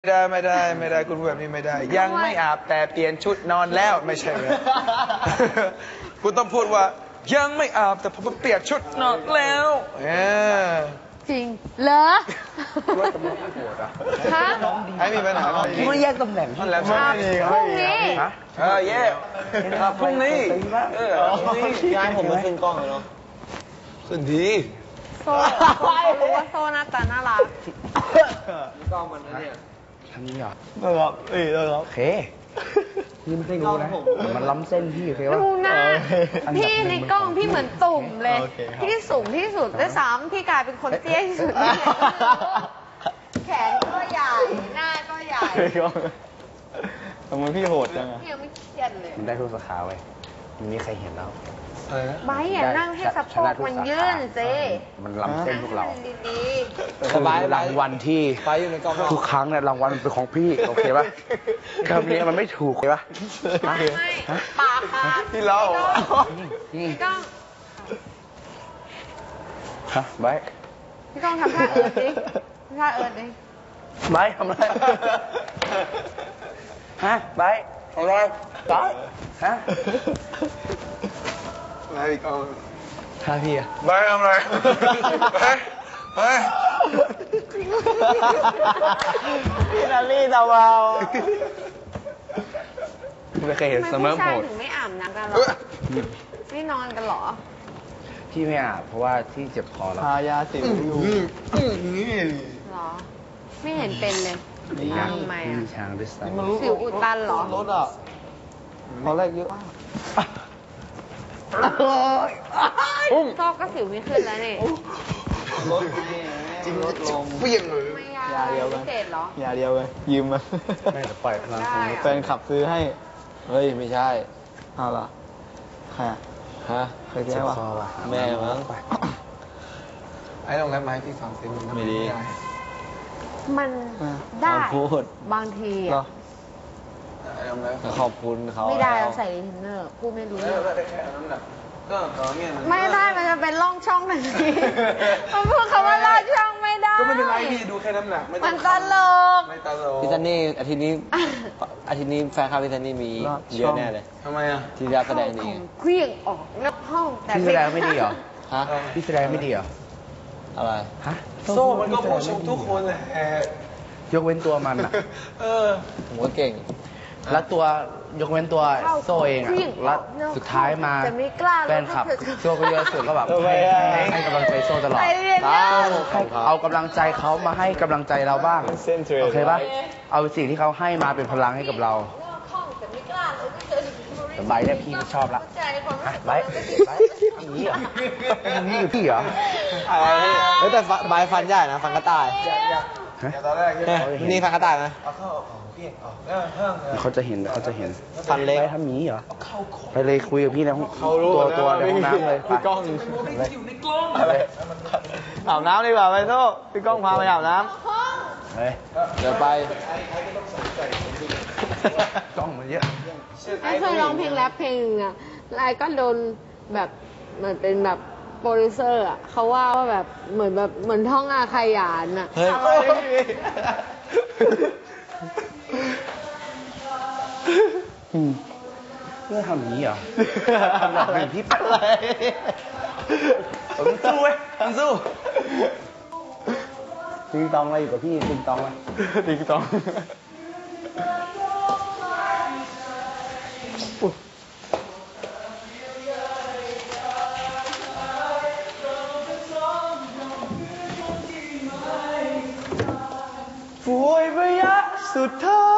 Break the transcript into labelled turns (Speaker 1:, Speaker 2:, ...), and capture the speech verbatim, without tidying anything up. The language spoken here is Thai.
Speaker 1: ไม่ได้ไม่ได้ไม่ได้คุณพูดแบบนี้ไม่ได้ยังไม่อาบแต่เปลี่ยนชุดนอนแล้วไม่ใช่เลยคุณต้องพูดว่ายังไม่อาบแต่ผมเปลี่ยนชุดนอนแล้วเออ
Speaker 2: จริงเหรอ
Speaker 1: ว่าตำแหน่งโหดอ่ะ
Speaker 2: ฮะ
Speaker 1: ให้มีปัญหา
Speaker 3: คิดว่าแยกตำแหน่ง
Speaker 1: นั่นแหละพ
Speaker 2: รุ่งนี้
Speaker 1: เออแยกพรุ่งนี้เออพรุ่งนี้
Speaker 3: ย้ายผมมาขึ้นกล้องเลยเนาะ
Speaker 1: ขึ้นดี
Speaker 2: โซ่รู้ว่าโซ่หน้าตาน่ารัก
Speaker 3: กล้องมันนะเนี่ย
Speaker 1: ทำนี้เหรอ
Speaker 3: ได้ครับเอ้ยได้ครับ
Speaker 1: โอเคนี่ไม่ใช่งูนะมันล้ำเส้นพี่โอเค
Speaker 2: ป่ะดูหน้าพี่ในกล้องพี่เหมือนตุ่มเลยพี่สูงที่สุดด้วยซ้ำพี่กลายเป็นคนเตี้ยที่สุดแขนก็ใหญ่หน้าก็ใหญ่
Speaker 3: ทำไมพี่โหดจังอะ
Speaker 2: พี่ยังไม่เครียดเลย
Speaker 1: มันได้ทุกสาขาไว้มันมีใครเห็นแล้ว
Speaker 2: ไบอย่านั่งให้สะโพกมันยื่นสิ
Speaker 1: มันล้ำเส้นพวกเรา
Speaker 2: ดี
Speaker 1: ๆสบายรางวัลที่ทุกครั้งเนี่ยรางวัลเป็นของพี่โอเคป่ะคำนี้มันไม่ถูกเลยป่ะ
Speaker 2: ไม่ปากปาก
Speaker 1: พี่เล่า
Speaker 2: พี่ก้อง
Speaker 1: ฮะไบ
Speaker 2: พี่ก้องทำท่าเอิร์ดดิท่าเอิร์ดดิ
Speaker 1: ไบทำอะไรฮะไบทำอะไรไบฮะไบพี่ก้อง
Speaker 3: ท่าพี่อะ
Speaker 1: ไบทำอะไรไบไบ
Speaker 3: พี่นาลี่ตาเบา
Speaker 1: ไม่เคยเห็นเสมอโหด
Speaker 2: ถึงไม่อาบน้ำกันหรอไม่นอนกันหรอ
Speaker 1: พี่ไม่อาบเพราะว่าที่เจ็บคอแล้ว
Speaker 3: ทายาสิวอยู่
Speaker 2: หรอไม่เห็นเป็นเลยทำไมอ่ะ
Speaker 1: ช้างด้วยซ้
Speaker 2: ำสิวอุดตันหรอ
Speaker 3: รถอ่ะตอนแรกเยอะ
Speaker 2: โซ่ก็สิวไม่ขึ้นแล้วนี่
Speaker 3: รถจริงรถลง
Speaker 1: เปลี่ยนเลย
Speaker 3: ยาเดียวกันยาเดียวกันยืมมา
Speaker 1: ไม่แต่ปล่อยพลังของ
Speaker 3: แฟนขับซื้อให้เฮ้ยไม่ใช่เอาล่ะใครฮะเคยเจอวะแม่มั้ง
Speaker 1: ไอ้ลองแรปมาให้พี่ฟังสิมัน
Speaker 3: ไม่ดี
Speaker 2: มันได้บางทีอ่ะ
Speaker 3: ขอบคุณเขา
Speaker 2: ไม่ได้เราใส่รีเทนเนอร์พูดไม่รู้เรื่องไม่ได้มันจะเป็นร่องช่องทันทีมันพูดคำว่าร่องช่องไม่ได้
Speaker 1: ก็ไม่เป็นไรพี่ดูแค่น้ำหนัก
Speaker 2: มันตลก
Speaker 1: ไม่ตลก
Speaker 3: พี่ซันนี่อาทิตย์นี้อาทิตย์นี้แฟนคลับพี่ซันนี่มีเยอะแน่เลย
Speaker 1: ทำไมอ่ะ
Speaker 3: ที่จะแสดงดี
Speaker 2: เคลื่องออกนอกห้อง
Speaker 1: แต่พี่แสดงไม่ดีเหรอ
Speaker 3: ฮะ
Speaker 1: พี่แสดงไม่ดีเหรอ
Speaker 3: อะไร
Speaker 1: ฮะโซ่มันก็ผู้ชมทุกคนแหละยกเว้นตัวมันอ่ะ
Speaker 3: เออผมก็เก่ง
Speaker 1: แล้วตัวยกเว้นตัวโซ่เองอ่ะแล้วสุดท้ายมาแฟนคลับโซ่ก็เยอะสุดก็แบบให้ให้กำลังใจโซ่ตลอดเอากำลังใจเขามาให้กำลังใจเราบ้างโอเคป่ะเอาสิ่งที่เขาให้มาเป็นพลังให้กับเราแต่ใบเนี่ยพี่ชอบละใบใบทำนี้เหรอทำนี้อยู่พี่เหรอ
Speaker 3: เฮ้ยแต่ใบฟันใหญ่นะฟันกระต่ายนี่ฟันกระต่ายนะ
Speaker 1: เขาจะเห็นเขาจะเห็น
Speaker 3: ฟันเล็ก
Speaker 1: ทำนี้เหรอไปเลยคุยกับพี่ในห้องตัวตัวในห้องน้ำเลย
Speaker 3: พี่ก้องอาบน้ำดีกว่าไปโซ่พี่ก้องพาไปอาบน้ำเดี๋ยวไป
Speaker 1: กล้องมันเยอะ
Speaker 2: ไอ้เคยร้องเพลงแรปเพลงอ่ะแล้วไอ้ก็โดนแบบเหมือนเป็นแบบโปรดิวเซอร์อ่ะเขาว่าว่าแบบเหมือนแบบเหมือนท่องอาขยานอ่ะ
Speaker 1: เพื่อทำอย่างนี้เหรอทำแบบพี่ปัดอะไรผมสู้เว้ยผมสู้ติงตองอะไรอยู่กับพี่ติงตองไหม
Speaker 3: ติงตอง
Speaker 1: ป่วยระยะสุดท้า